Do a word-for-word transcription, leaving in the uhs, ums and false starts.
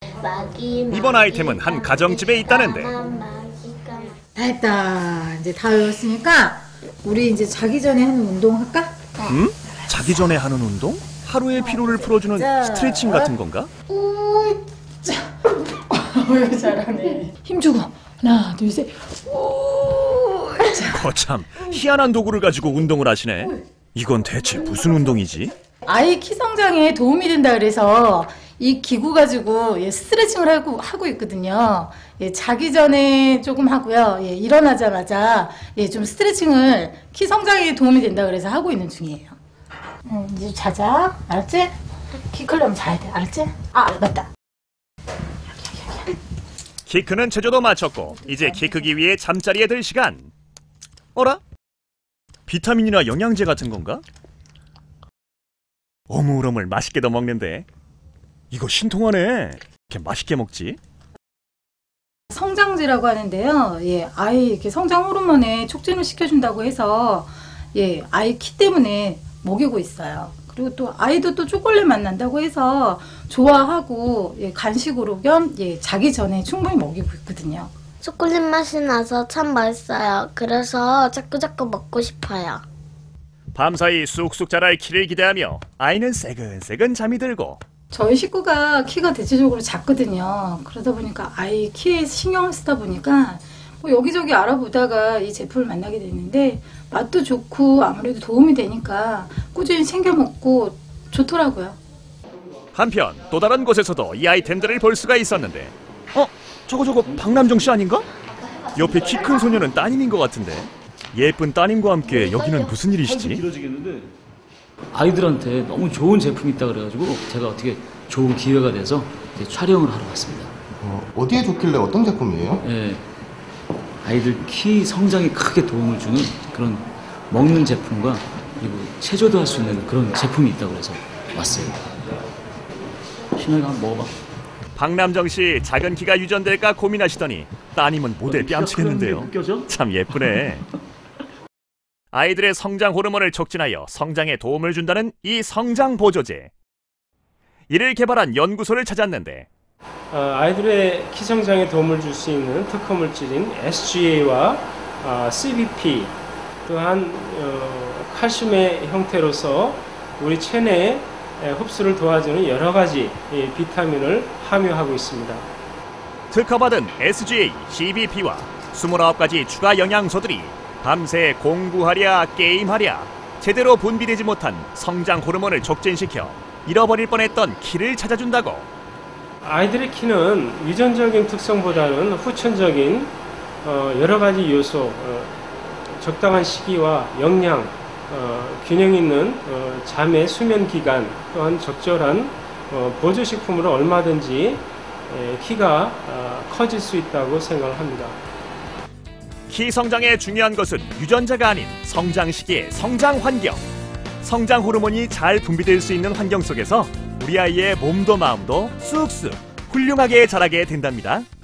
이번 아이템은 한 가정집에 있다는데. 다 했다. 이제 다 외웠으니까 우리 이제 자기 전에 하는 운동 할까? 음? 자기 전에 하는 운동? 하루의 피로를 풀어주는 자, 스트레칭 같은 건가? 우, 자. 어휴, 잘하네. 힘주고 하나, 둘, 셋. 우, 자. 거참, 희한한 도구를 가지고 운동을 하시네. 이건 대체 무슨 운동이지? 아이 키 성장에 도움이 된다 그래서 이 기구 가지고 예, 스트레칭을 하고, 하고 있거든요. 예, 자기 전에 조금 하고요. 예, 일어나자마자 예, 좀 스트레칭을 키 성장에 도움이 된다 그래서 하고 있는 중이에요. 음, 이제 자자. 알았지? 키 크려면 자야 돼. 알았지? 아, 맞다. 키 크는 체조도 마쳤고 이제 키 크기 위해 잠자리에 들 시간. 어라? 비타민이나 영양제 같은 건가? 어물어물 맛있게도 먹는데 이거 신통하네. 이렇게 맛있게 먹지? 성장제라고 하는데요. 예, 아이 이렇게 성장 호르몬에 촉진을 시켜준다고 해서 예, 아이 키 때문에 먹이고 있어요. 그리고 또 아이도 또 초콜릿 맛 난다고 해서 좋아하고 예, 간식으로 겸 예, 자기 전에 충분히 먹이고 있거든요. 초콜릿 맛이 나서 참 맛있어요. 그래서 자꾸자꾸 먹고 싶어요. 밤사이 쑥쑥 자랄 키를 기대하며 아이는 새근새근 잠이 들고. 저희 식구가 키가 대체적으로 작거든요. 그러다 보니까 아이 키에 신경을 쓰다 보니까 뭐 여기저기 알아보다가 이 제품을 만나게 됐는데 맛도 좋고 아무래도 도움이 되니까 꾸준히 챙겨 먹고 좋더라고요. 한편 또 다른 곳에서도 이 아이템들을 볼 수가 있었는데, 어? 저거 저거 박남정 씨 아닌가? 옆에 키 큰 소녀는 따님인 것 같은데. 예쁜 따님과 함께 여기는 무슨 일이시지? 아이들한테 너무 좋은 제품이 있다 그래가지고 제가 어떻게 좋은 기회가 돼서 이제 촬영을 하러 왔습니다. 어, 어디에 좋길래 어떤 제품이에요? 예, 아이들 키 성장에 크게 도움을 주는 그런 먹는 제품과 그리고 체조도 할 수 있는 그런 제품이 있다고 그래서 왔어요. 신영이가 한번 먹어봐. 박남정 씨 작은 키가 유전될까 고민하시더니 따님은 모델 뺨치겠는데요. 참 예쁘네. 아이들의 성장 호르몬을 촉진하여 성장에 도움을 준다는 이 성장 보조제. 이를 개발한 연구소를 찾았는데, 어, 아이들의 키 성장에 도움을 줄 수 있는 특허 물질인 에스지에이와 어, 씨비피 또한 어, 칼슘의 형태로서 우리 체내에 흡수를 도와주는 여러 가지 이 비타민을 함유하고 있습니다. 특허받은 에스지에이, 씨비피와 스물아홉 가지 추가 영양소들이 밤새 공부하랴 게임하랴 제대로 분비되지 못한 성장 호르몬을 촉진시켜 잃어버릴 뻔했던 키를 찾아준다고. 아이들의 키는 유전적인 특성보다는 후천적인 어, 여러 가지 요소, 어, 적당한 시기와 영양, 어, 균형 있는 어, 잠의 수면 기간 또한 적절한 어, 보조식품으로 얼마든지 에, 키가 어, 커질 수 있다고 생각을 합니다. 키 성장에 중요한 것은 유전자가 아닌 성장 시기의 성장 환경. 성장 호르몬이 잘 분비될 수 있는 환경 속에서 우리 아이의 몸도 마음도 쑥쑥 훌륭하게 자라게 된답니다.